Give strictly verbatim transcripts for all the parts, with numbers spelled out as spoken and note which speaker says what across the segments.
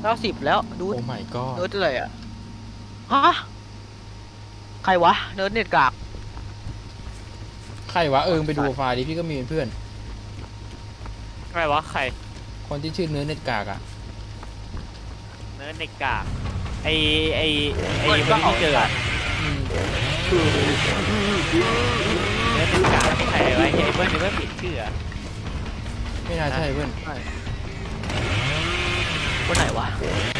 Speaker 1: เก้าสิบแล้วดู
Speaker 2: โอ้ my god
Speaker 1: เนิร์ดอะไรอ่ะฮะใครวะเนิร์ดเน็ตกาก
Speaker 2: ใครวะเอิงไปดูไฟล์ดิพี่ก็มีเป็นเพื่อน
Speaker 3: ใครวะใคร
Speaker 2: คนที่ชื่อเนื้อเน็ตกากอ่ะ
Speaker 3: เนิร์ดเด็กกากไอไอไอคนที่เจออะ
Speaker 2: อืม
Speaker 3: เนิร์ดเด็กกากใครวะไอเบิ้ลไอเบิ้ลผิดชื่ออะ
Speaker 2: ไม่น่าใช่เพื่อน
Speaker 1: คนไหนวะ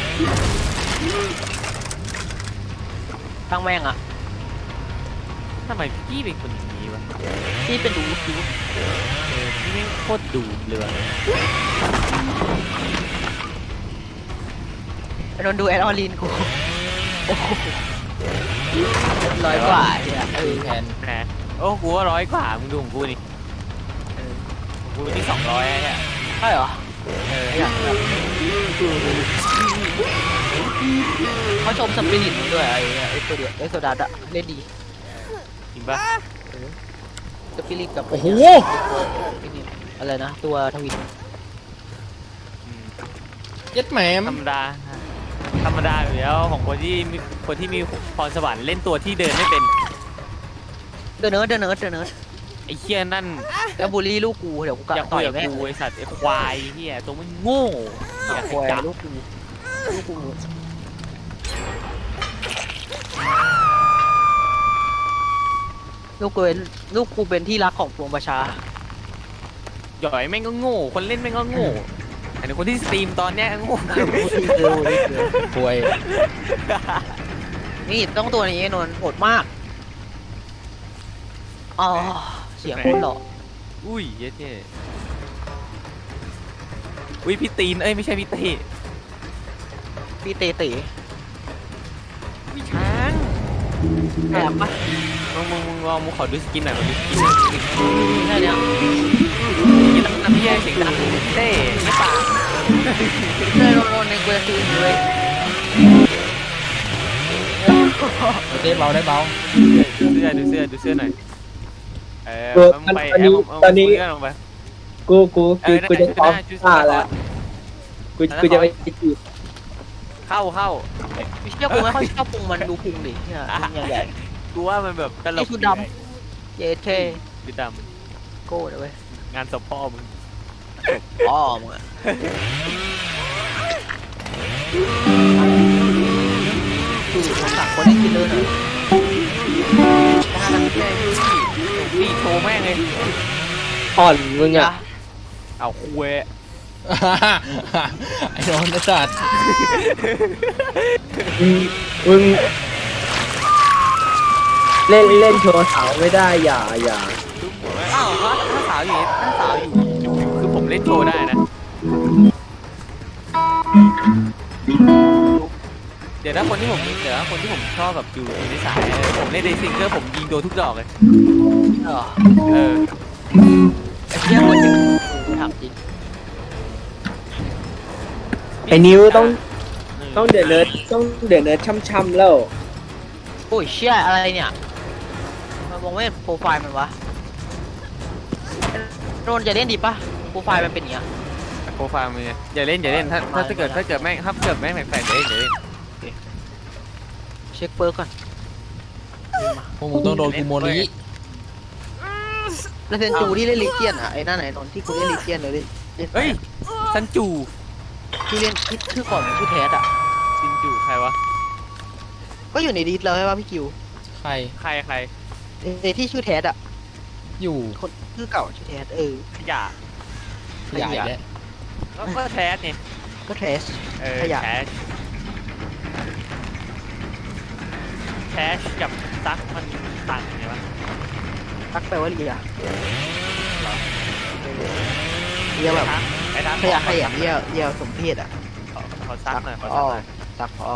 Speaker 1: ตั้งแม่งอ่ะ
Speaker 3: ทำไมพี่เป็นคนอย่างนี้วะ
Speaker 1: ที่เป็นดูดู
Speaker 3: เออพี่ไม่งโคตรดูดเลยวะ
Speaker 1: ไอ้นนท์ดูแอดออลินกูโอ้โหร้อยกว่าเนี่ยเอ
Speaker 2: คือ
Speaker 1: อ
Speaker 2: แทน
Speaker 3: นะโอ้กูว่าร้อยกว่ามึงดูของกูนี่เออของกูนี่สองร้อยเนี่ย
Speaker 1: ใช่เหรอ
Speaker 3: เออ
Speaker 1: อยากแบบเขาชมสปิริตมันด้วยไอ้ไอ้ตัวเดียวไอ้โซดาดะเล่นดี
Speaker 3: จริงปะ
Speaker 1: สปิริตกับ
Speaker 2: โอ้โห
Speaker 1: ไอ้นี่อะไรนะตัวทวิน
Speaker 3: อืม
Speaker 2: เย็ดแหมม
Speaker 3: ธรรมดาธรรมดาอยู่แล้วของคนที่มีคนที่มีพรสวรรค์เล่นตัวที่เดินไม่เป็น
Speaker 1: เดนเนิร์ดเดนเนิร์ดเดนเนิร์ด
Speaker 3: ไอ้เคียนั่น
Speaker 1: แล้วบูลลี่ลูกกูเดี๋ยวกูกะ
Speaker 3: อยาก
Speaker 1: ต่
Speaker 3: คุ
Speaker 1: อย ย
Speaker 3: กับ
Speaker 1: แม่ง
Speaker 3: กูไอสัตว์ไอควายเฮียตัวมันโง่เหี้ย
Speaker 1: ควย
Speaker 3: จับ
Speaker 1: ลูกกูลูกกูลูกกูเป็นลูกกูเป็นที่รักของปวงประชา
Speaker 3: หย่อยแม่งก็โง่คนเล่นแม่งก็โง่อันนี้คนที่สตรีมตอนเนี้ยโง่
Speaker 2: ป่วย
Speaker 1: นี่ต้องตัวนี้นนท์โหดมากอ๋อเสียงคนหล่อ
Speaker 3: อุ้ยเย็ดเย่อุ้ยพี่ตีนเอ้ยไม่ใช่พี่เต้
Speaker 1: พี่เตเต๋
Speaker 3: พี่ช้าง
Speaker 1: แอบปะ
Speaker 3: มึงมึงมึงลองมึงขอดูสกินหน่อยมาดูสกินหน่อย
Speaker 1: แค่เนี้ย
Speaker 3: กินน้ำน้ำพี่แย่เสียงดังเต้ไม่ปาก
Speaker 1: เต้นนนท์ในกูจะซื้อเลย
Speaker 2: เต้เบาได้เบา
Speaker 3: ดูเสื้อดูเสื้อดูเสื้อหน่อยเออ
Speaker 4: เออ
Speaker 3: มึงไป
Speaker 4: ตอนนี้
Speaker 3: แอป
Speaker 4: ตอนนี้
Speaker 3: เาลงไป
Speaker 4: กูกู
Speaker 3: เอ
Speaker 4: กู
Speaker 3: อนั่น
Speaker 4: กู
Speaker 3: แหละ
Speaker 4: จะพร้อม
Speaker 3: ชุดห
Speaker 4: ฆ่า
Speaker 3: น้า
Speaker 4: แล้วกู
Speaker 3: ชุดหน้า
Speaker 4: กูจะไปจีบ
Speaker 3: เข้าเข้า
Speaker 1: ไม่เชื่อกูไม่ค่อยชอบพุงมันดูพุงดิเนี่ยพุงใหญ่
Speaker 3: กูว่ามันแบบตล
Speaker 1: ไอ้
Speaker 3: ก
Speaker 1: ชุดดำ เยเท
Speaker 3: ชุดด
Speaker 1: โก้เลยเว้ย
Speaker 3: ำงานศพพ่อมึง
Speaker 1: อ๋อมึงอะคือผมสั่งคนให้กินเลยหน่อยถ้าทำแค่ยูสี่
Speaker 3: พี่โชว์แม่งเลย
Speaker 4: อ่อนมึงอ่ะ
Speaker 3: เอาคุย
Speaker 2: ไอ้โดนไอ้สัตว์
Speaker 4: มึงมึงเล่นเล่นโชว์สาวไม่ได้อย่าอย่า
Speaker 3: ทุกหัวแม่งอ้าวถ้าถ้าสาวอยู่นี่ถ้าสาวอยู่อยู่คือผมเล่นโชว์ได้นะ เดี๋ยวถ้าคนที่ผมเดี๋ยวถ้าคนที่ผมชอบแบบอยู่ในสายผมเล่นเดซิงเกอร์ผมยิงโดนทุกดอกเลย
Speaker 1: เออ
Speaker 3: เออ
Speaker 1: ไอ้เชี่ยคนหนึ่งกูถามจริง
Speaker 4: ไอ้นิ้วต้องต้องเดือดเนิร์ดต้องเดือดเนิร์ดช่ำๆแล้ว
Speaker 1: โอ้ยเชี่ยอะไรเนี่ยมันมองไม่เห็นโปรไฟล์มันวะโดนจะเล่นดีปะโปรไฟล์มันเป็นอย่างเงี้ย
Speaker 3: โปรไฟล์มืออย่าเล่นอย่าเล่นถ้าถ้าถ้าเกิดถ้าเกิดแม่งถ้าเกิดแม่งแปลกๆอย่าเล่นอย่าเล่น
Speaker 1: เช็คเปิร์กก่อน
Speaker 2: พวกมึงต้องโดนกูโมลี
Speaker 1: แล้วเซนจูที่เล่นลิเจียนอ่ะไอ้นั่นไหนนนท์ที่กูเล่นลิเจียนเลยเล่น
Speaker 3: เฮ้ยซันจู
Speaker 1: ที่เล่นที่ชื่อก่อนมันชื่อแทสอ่ะ
Speaker 3: ซินจูใครวะ
Speaker 1: ก็อยู่ในดิสแล้วใช่ป่ะพี่คิว
Speaker 2: ใคร
Speaker 3: ใครใคร
Speaker 1: ไอ้ที่ชื่อแทสอ่ะ
Speaker 2: อยู่
Speaker 1: คนชื่อเก่าชื่อแทสเออ
Speaker 3: ขยะ
Speaker 2: ใหญ่แล้ว
Speaker 3: แล้วก็แทสเนี่ย
Speaker 1: ก็แทส
Speaker 3: เออ
Speaker 1: ขยะ
Speaker 3: แทสแทสกับซักมันต่างกันไงวะ
Speaker 1: ทักไปว่าเรียเรียแบบ
Speaker 3: ไอ้ทัก
Speaker 1: ขยะขยะเรียเรียสมเพศอ่ะ
Speaker 3: ขอขอซักหน่อยขอ
Speaker 1: อ๋
Speaker 3: ซั
Speaker 1: อก
Speaker 3: หน่อย
Speaker 1: ซักพอ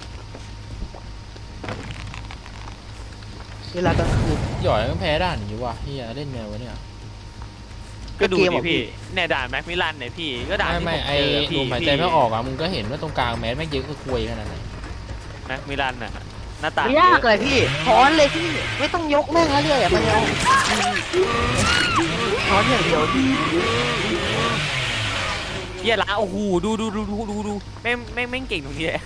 Speaker 1: เวลากลางคืน
Speaker 2: หย่อยมันแพ้ด่านนี้ว่ะเฮียเล่นไงวะเนี่ย
Speaker 3: ก็ดู
Speaker 1: เกม
Speaker 3: ดิ
Speaker 1: อ่ะพี่
Speaker 3: พี่เนี่ยด่านแม็กมิลันเนี่ยพี่ก็ด่าน
Speaker 2: ไม่
Speaker 3: ที่
Speaker 2: ไม่
Speaker 3: ผม
Speaker 2: ไอ้
Speaker 3: เจอพี่
Speaker 2: ลมหายใจไม่ออกอ่ะมึงก็เห็นว่าตรงกลางแมสแม่งเยอะก็ควยขนาดไหน
Speaker 3: แม็กมิลันน่ะหน้าตา
Speaker 1: ไม่ยากเลยพี่ถอนเลยพี่ไม่ต้องยกแม่งแล้วเลยอ่ะมันเอาถอนอย่างเดียว
Speaker 3: เหี้ยละโอ้โหดูดูดูดูดูดูแม่งแม่งแม่งเก่งตรงนี้แหละ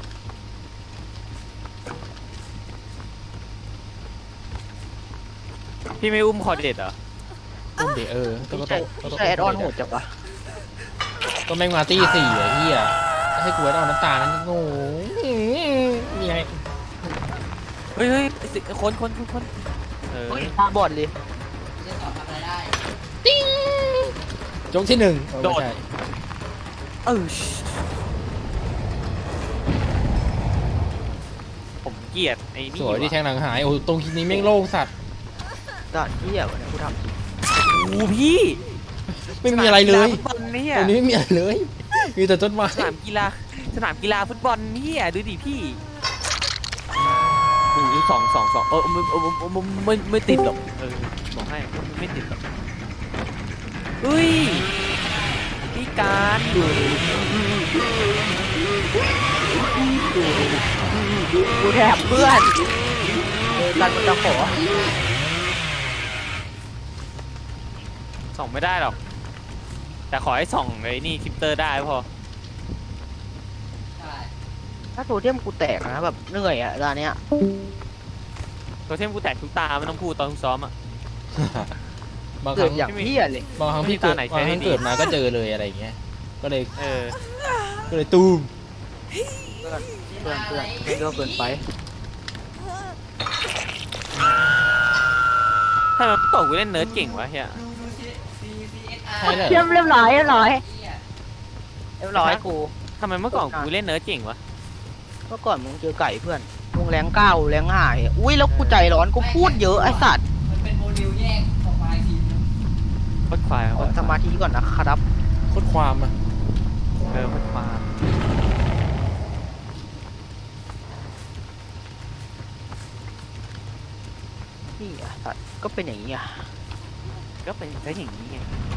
Speaker 3: พี่ไม่อุ้มคอเด็ดเหรอ
Speaker 2: ต้มเดเออต้อง
Speaker 1: พี่
Speaker 2: ต้
Speaker 1: ใช้
Speaker 2: อง
Speaker 1: พี่ใช้แอดออนโหดจังวะ
Speaker 2: ก็แม่งมาตี้สี่ไอ้เหี้ยให้กูแอดออนน้ำตาลนั่นโง่มีไง
Speaker 3: เฮ้ยเฮ้ยสิคนคนคนคนเออ
Speaker 1: เฮ้ยบอดเลย
Speaker 2: จงที่หนึ่งโดด
Speaker 3: เออผมเกลียดไอ้นี่
Speaker 2: สวยที่แทงหลังหายโอ้ตรงนี้แม่งโล่งสัตว์
Speaker 1: ด่านเหี้ยวะเนี่ยกูทำจริง
Speaker 3: โอ้พี่
Speaker 2: ไม่มีอะไรเลย
Speaker 3: สนามกีฬาฟุตบอลเนี่ย
Speaker 2: ตรงนี้ไม่มีอะไรเลยมีแต่ต้นไม้
Speaker 3: สนามกีฬาสนามกีฬาฟุตบอลเนี่ยดูดิพี่โอ้ยสองสองสองเออไม่ไม่ไม่ไม่ติดหรอกเออบอกให้ไม่ติดหรอกเฮ้ยพี่การดู
Speaker 1: กูแถบเพื่อนเออกันมันจะขอ
Speaker 3: ส่องไม่ได้หรอกแต่ขอให้ส่องไอ้นี่คลิปเตอร์ได้พอ
Speaker 1: ถ้าโทเทมกูแตกนะแบบเหนื่อยอะตอนเนี้ย
Speaker 3: ตัวเทมกูแตกทุกตาไม่ต้องพูดตอนซ้อมอ่ะ
Speaker 2: บางค
Speaker 1: เกิ
Speaker 2: รั้
Speaker 1: ด
Speaker 2: ง
Speaker 1: อย่างเหี้ยเลย
Speaker 2: บางครั้งพี่เกิด
Speaker 3: ไม่มีตาไหน
Speaker 2: บางครั้ง
Speaker 3: ใช้ได้ดี
Speaker 2: เกิดมาก็เจอเลยอะไรอย่างเงี้ยก็เลย
Speaker 3: เออ
Speaker 2: ก็เลยตูม
Speaker 1: เพื่อนเพื่อนเพื่อนเพื่อนเยอะเกินไป
Speaker 3: ถ้ามันตกกูเล่นเนิร์ดเก่งวะเฮีย
Speaker 2: ใช่เลย
Speaker 1: เรียบเรียบร้อยเรียบร้อยเรียบร้อยกู
Speaker 3: ทำไมเมื่อก่อนกูเล่นเนิร์ดเก่งวะ
Speaker 1: เมื่อก่อนมึงเจอไก่เพื่อนมึงแรงเก้าแรงหายอุ้ยแล้วกูใจร้อนกูพูดเยอะไอ้สัตว์
Speaker 3: โคตรควาย
Speaker 1: กดสมาธิก่อนนะครับ
Speaker 2: โคตรความอ่ะ
Speaker 3: เออโคตรควาย
Speaker 1: นี่อ่ะสัตว์ก็เป็นอย่างนี้อ่ะ
Speaker 3: ก็เป็นแค่อย่างนี้ไง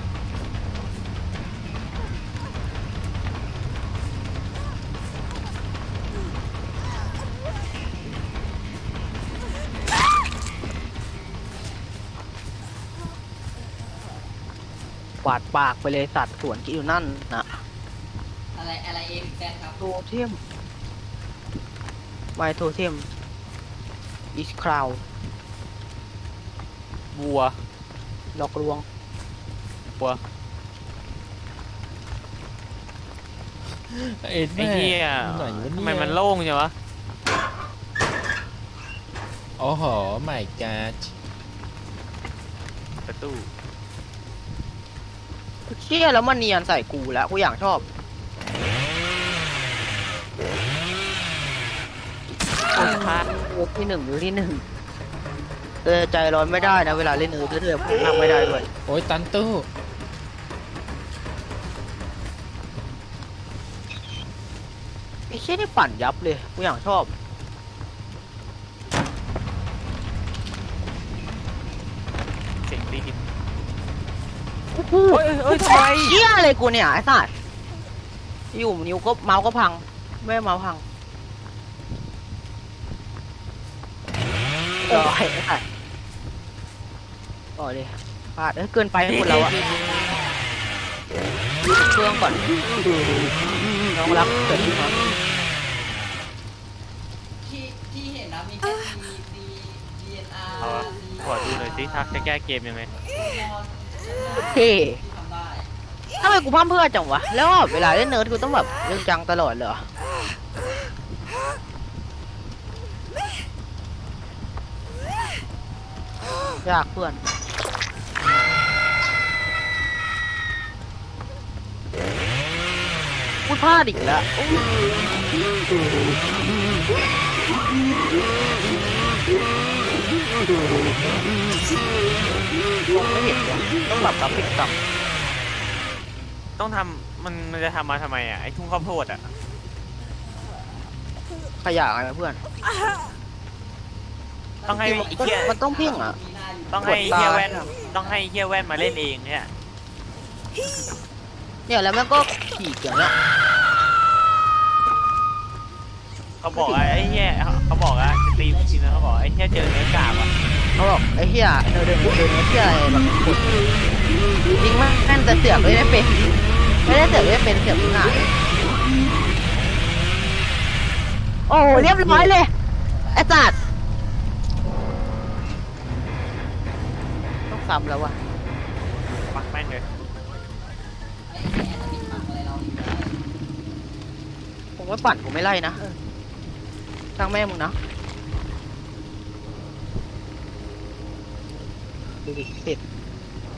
Speaker 1: บาดปากไปเลยสัตว์สวนกินอยู่นั่นนะ
Speaker 5: อะไรอะไรเอ็มแซดครับ
Speaker 1: โทเทมไมโทเทมอิสคราว
Speaker 3: บัว
Speaker 1: หลอกลวง
Speaker 3: บัว
Speaker 2: ไอ้
Speaker 3: ไอ้เหี้ย
Speaker 2: ไหนวะ
Speaker 3: ทำ
Speaker 2: เนี่ย
Speaker 3: ไมมันโล่งจังวะ
Speaker 2: โอ้โหไม่กาด
Speaker 3: ประตู
Speaker 1: เชี่ยแล้วมันเนียนใส่กูแล้วกูอย่างชอบ
Speaker 3: พา
Speaker 1: เออที่หนึ่งหรือที่หนึ่งเออใจร้อนไม่ได้นะเวลาเล่นเออเรื่อยๆผมนั่งไม่ได้ด้วย
Speaker 2: โอ้ยตันตู้
Speaker 1: ไอ้เชี่ยนี่ปั่นยับเลยกูอย่างชอบ
Speaker 3: เสียงตีน
Speaker 1: โอ้โห
Speaker 3: เฮ้ยเฮ้ยทำไม
Speaker 1: เชี่ยอะไรกูเนี่ยไอ้สัตว์อยู่นิ้วก็เมาส์ก็พังไม่เมาส์พังต่อไอ้สัตว์ต่อเลยพลาดเอ้ยเกินไปให้คนเราอะเครื่องก่อนน้องรักเกิดขึ้นมา
Speaker 5: ที่ที่เห็นนะมีแค่ดีดีดีเอ็นอาร์
Speaker 3: เอาวะขอดูหน่อยสิทักจะแก้เกมยังไง
Speaker 1: เท่
Speaker 5: ที่ทำได้
Speaker 1: ทำไมกูพร่ำเพื่อจังวะแล้วเวลาเล่นเนิร์ดกูต้องแบบเรื่องจังตลอดเลยเหรอยากเพื่อนพูดพลาดอีกแล้วโอ้ยมองไม่เห็นเลยต้องหลับกับปิดต่ำ
Speaker 3: ต้องทำมันมันจะทำมาทำไมอ่ะไอ้ทุ่งข้าวโพดอ่ะ
Speaker 1: ขยะไงเพื่อน
Speaker 3: ต้องให้
Speaker 1: จริงๆ
Speaker 3: ไอ้
Speaker 1: มัน
Speaker 3: เหี้ย
Speaker 1: มันต้องเพ่งอ่ะ
Speaker 5: มีหน้าอยู่
Speaker 3: ต้องให้
Speaker 1: กด
Speaker 3: เฮีย
Speaker 1: ตา
Speaker 3: แว่นต้องให้เฮียแว่นมาเล่นเองเนี่ย
Speaker 1: เนี่ยแล้วมันก็ขี่เกี่ยวเนี่ย
Speaker 3: เขาบอกว่าไอ้เฮียเขาบอกว่าสตรีมจริงนะเขาบอกไอ้เฮียเจอเนื้อกาบอ่ะ
Speaker 1: เขาบอกไอ้เหี้ยเดินเดินเดินเดินเหี้ยอะไรแบบกดยิงมากแม่นแต่เสือกเลยไม่เป็นไม่ได้เสือกไม่เป็นเสือกมึงหายโอ้โหเรียบร้อยเลยไอ้สัตว์ต้องซ้ำแล้ววะ
Speaker 3: ปักแม่งเลย
Speaker 5: ไอ้แง่จะมีปักอะไรเราอีกแล้ว
Speaker 1: ผมว่าปั่นกูไม่ไล่นะตั้งแม่มึงนะดูดิเป็ด